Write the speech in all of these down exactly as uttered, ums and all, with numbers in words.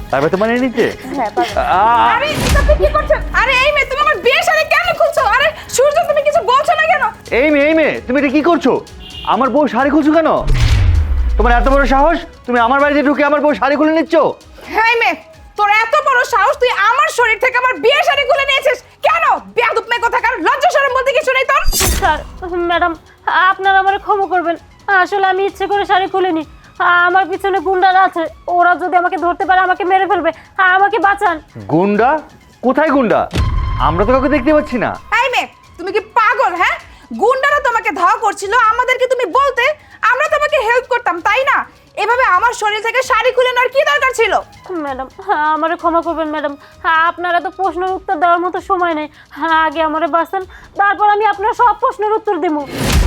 পারবে তো মানিয়ে নিতে? হ্যাঁ পারবে। আ- আরে এটা আপনি কি করছেন? আরে এই মেয়ে তুমি আমার বিয়ে শাড়ি কেন খুলছো? আরে সূর্য তুমি কিছু বলছো না কেন? এই মেয়ে এই মেয়ে তুমি এটা কি করছো? আমার বউ শাড়ি খুলছো কেন? তোমার এত বড় সাহস, তুমি আমার বাড়িতে ঢুকে আমার বউ শাড়ি খুলে নিচ্ছ? হ্যাঁ মেয়ে, তোর এত বড় সাহস তুই আমার শরীর থেকে আমার বিয়ে শাড়ি খুলে নিয়েছিস কেন? বেয়াদব মেয়ে কোথাকার, লজ্জা শরম বলতে কিছু নেই তোর? স্যার ম্যাডাম আপনারা আমারে ক্ষমা করবেন, আসলে আমি ইচ্ছে করে শাড়ি খুলিনি। আমার পিছনে গুন্ডারা আছে, ওরা যদি আমাকে ধরতে পারে আমাকে মেরে ফেলবে, আমাকে বাঁচান। গুন্ডা? কোথায় গুন্ডা? আমরা তো কাউকে দেখতে পাচ্ছি না। এই মেয়ে তুমি কি পাগল? হ্যাঁ, গুন্ডারা তোমাকে ধাওয়া করছিল, আমাদেরকে তুমি বলতে, আমরা তোমাকে হেল্প করতাম, তাই না? এভাবে আমার শরীর থেকে শাড়ি খুলে নেওয়ার কি দরকার ছিল? ম্যাডাম আমারে ক্ষমা করবেন ম্যাডাম, আপনারা তো প্রশ্নের উত্তর দেওয়ার মতো সময় নেই, আগে আমারে বাঁচান, তারপর আমি আপনার সব প্রশ্নের উত্তর দেবো।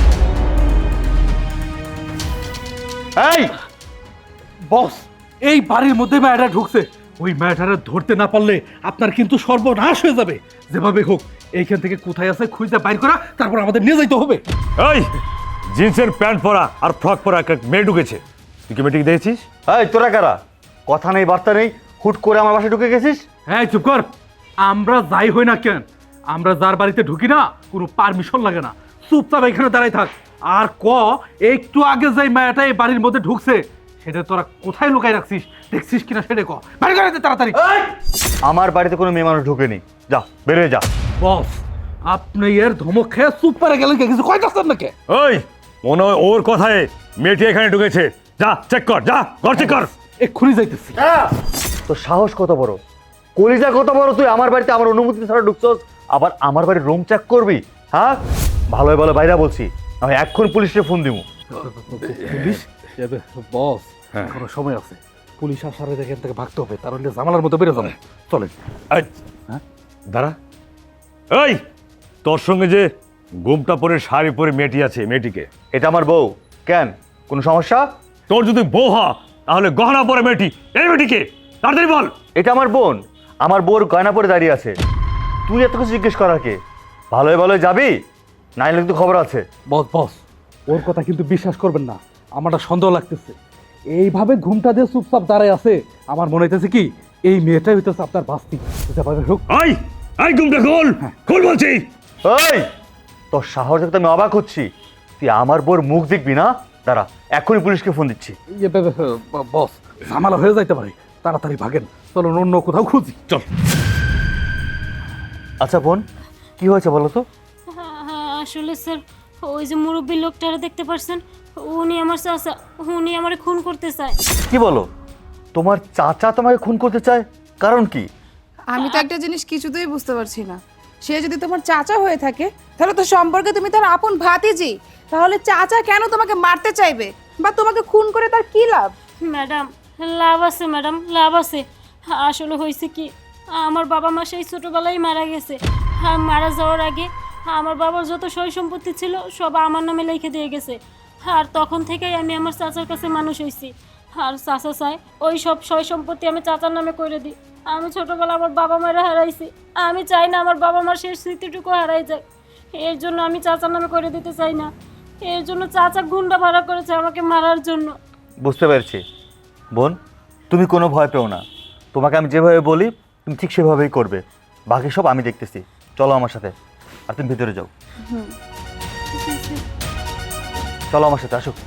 এই বস, এই বাড়ির মধ্যে মেয়েটা ঢুকছে, ওই মেয়েটারে ধরতে না পারলে আপনার কিন্তু সর্বনাশ হয়ে যাবে। যেভাবে হোক এইখান থেকে কোথায় আছে খুঁজে বাইর করা, তারপর আমাদের নিয়ে যাইতে হবে। এই জিন্সের প্যান্ট পরা আর ফ্রক পরা একটা মেয়ে ঢুকেছে, তুই কি মেয়েটিকে দেখেছিস? এই তোরা কারা? কথা নেই বার্তা নেই, হুট করে আমার বাসায় ঢুকে গেছিস? হ্যাঁ চুপ কর। আমরা যাই হই না কেন, আমরা যার বাড়িতে ঢুকি না কোনো পারমিশন লাগে না, চুপচাপ এখানে দাঁড়াই থাক। আর ক একটু আগে যে মেয়েটা এই বাড়ির মধ্যে ঢুকছে সেটা তোরা কোথায় লুকাই রাখছিস, দেখছিস কিনা সেটা ক, বাইরে করে দে তাড়াতাড়ি। আমার বাড়িতে কোনো মেয়ে মানুষ ঢুকেনি, যা বেরিয়ে যা। বস, আপনি এর ধমক খেয়ে চুপ করে গেলেন, কে কিছু কয় যাচ্ছেন নাকি? ওই মনে হয় ওর কথায় মেয়েটি এখানে ঢুকেছে, যা চেক কর, যা ঘর চেক কর। এক্ষুনি যাইতেছি। তোর সাহস কত বড়, কলিজা কত বড়, তুই আমার বাড়িতে আমার অনুমতি ছাড়া ঢুকছস, আবার আমার বাড়ির রুম চেক করবি? হ্যাঁ ভালো ভালো বাইরা বলছি, আমি এখন পুলিশে ফোন দিব। পুলিশ? বস এখনো সময় আছে, পুলিশ আসার আগে এখান থেকে ভাগতে হবে, তার হলে জামালার মতো বেরো যাবে। চলেন। এই, হ্যাঁ? দাঁড়া। এই তোর সঙ্গে যে ঘুমটা পরে শাড়ি পরে মেয়েটি আছে, মেয়েটিকে? এটা আমার বউ। কেন, কোনো সমস্যা? তোর যদি বউ হয় তাহলে গহনা পরে মেয়েটি, এই মেয়েটিকে তাড়াতাড়ি বল। এটা আমার বোন, আমার বউর গয়না পরে দাঁড়িয়ে আছে, তুই এত কিছু জিজ্ঞেস করার কে? ভালোই ভালোই যাবি, নাইলে কিন্তু খবর আছে। বস বস, ওর কথা কিন্তু বিশ্বাস করবেন না, আমারটা সন্দেহ লাগতেছে। এইভাবে ঘুমটা দিয়ে চুপচাপ দাঁড়ায় আছে, আমার মনে হইতেছে কি এই মেয়েটাই হইতেছে আপনার বাস্তি। যেভাবে হোক এই এই ঘুমটা খোল, খোল বলছি। ওই তোর সাহস দেখতে আমি অবাক হচ্ছি, তুই আমার বউর মুখ দেখবি না? দাঁড়া, এখনই পুলিশকে ফোন দিচ্ছি। ইয়ে, বে- বে- ব- বস ঝামেলা হয়ে যাইতে পারে, তাড়াতাড়ি ভাগেন, চলুন অন্য কোথাও খুঁজি। চল। আচ্ছা বোন, কি হয়েছে বলো তো? আসলে স্যার ওই যে মুরব্বী লোকটারা দেখতে পারছেন, উনি আমার চাচা, উনি আমারে খুন করতে চায়। কি বলো, তোমার চাচা তোমাকে খুন করতে চায়? কারণ কি? আমি তো একটা জিনিস কিছুতেই বুঝতে পারছি না, সে যদি তোমার চাচা হয়ে থাকে তাহলে তো সম্পর্কে তুমি তার আপন ভাতিজি, তাহলে চাচা কেন তোমাকে মারতে চাইবে বা তোমাকে খুন করে তার কি লাভ? ম্যাডাম লাভ আছে, ম্যাডাম লাভ আছে। আসলে হয়েছে কি, আমার বাবা মা সেই ছোটোবেলায় মারা গেছে, আর মারা যাওয়ার আগে আমার বাবার যত সয় সম্পত্তি ছিল সব আমার নামে লিখে দিয়ে গেছে, আর তখন থেকেই আমি আমার চাচার কাছে মানুষ হয়েছি। আর চাচা চাই ওই সব সয় সম্পত্তি আমি চাচার নামে করে দিই। আমি ছোটোবেলা আমার বাবা মায়েরা হারাইছি, আমি চাই না আমার বাবা মার শেষ স্মৃতিটুকু হারাই যাক, এর জন্য আমি চাচার নামে করে দিতে চাই না। এর জন্য চাচা গুন্ডা ভাড়া করেছে আমাকে মারার জন্য। বুঝতে পেরেছি বোন, তুমি কোনো ভয় পেও না, তোমাকে আমি যেভাবে বলি তুমি ঠিক সেভাবেই করবে, বাকি সব আমি দেখতেছি। চলো আমার সাথে, আর তুমি ভিতরে যাও। চলো আমার সাথে, আসো।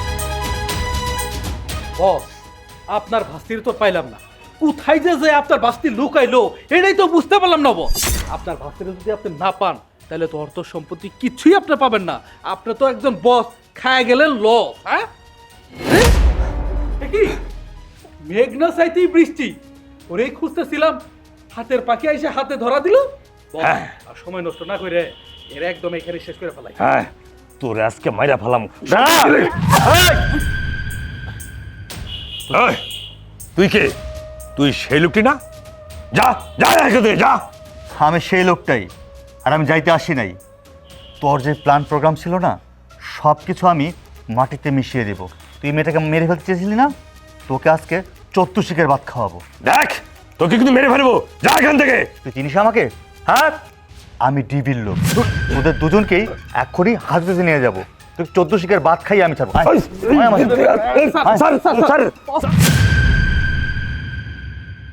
বস, আপনার ভাস্তির তো পাইলাম না, কোথায় যে যে আপনার ভাস্তি লুকাইলো এটাই তো বুঝতে পারলাম না। বস, আপনার ভাস্তির যদি আপনি না পান তাহলে তো অর্থ সম্পত্তি কিছুই আপনি পাবেন না, আপনি তো একজন বস খায় গেলেন লস। হ্যাঁ এ কি মেঘনা চাইতেই বৃষ্টি, ওরেই খুঁজতেছিলাম, হাতের পাখি এসে হাতে ধরা দিল। বস, আর সময় নষ্ট না করে এর একদম এখানে শেষ করে ফেলাই। হ্যাঁ তোর আজকে মাইরা ফেলাম। এই, তুই কে? তুই সেই লোকটি না? যা যা একসাথে যা। আমি সেই লোকটাই, আর আমি যাইতে আসি নাই। তোর যে প্ল্যান প্রোগ্রাম ছিল না, সব কিছু আমি মাটিতে মিশিয়ে দেবো। তুই মেয়েটাকে মেরে ফেলতে চেয়েছিলি না, তোকে আজকে চতুর্শিকের ভাত খাওয়াবো। দেখ তোকে কিন্তু মেরে ফেলবো, যা এখান থেকে। তুই চিনিস আমাকে? হ্যাঁ, আমি ডিবির লোক, ওদের দুজনকেই এক্ষুনি হাজতে নিয়ে যাবো। তুই চোদ্দ শিকের ভাত খাই আমি ছাড়বো। আয়, আয় আমার সাথে। Sir sir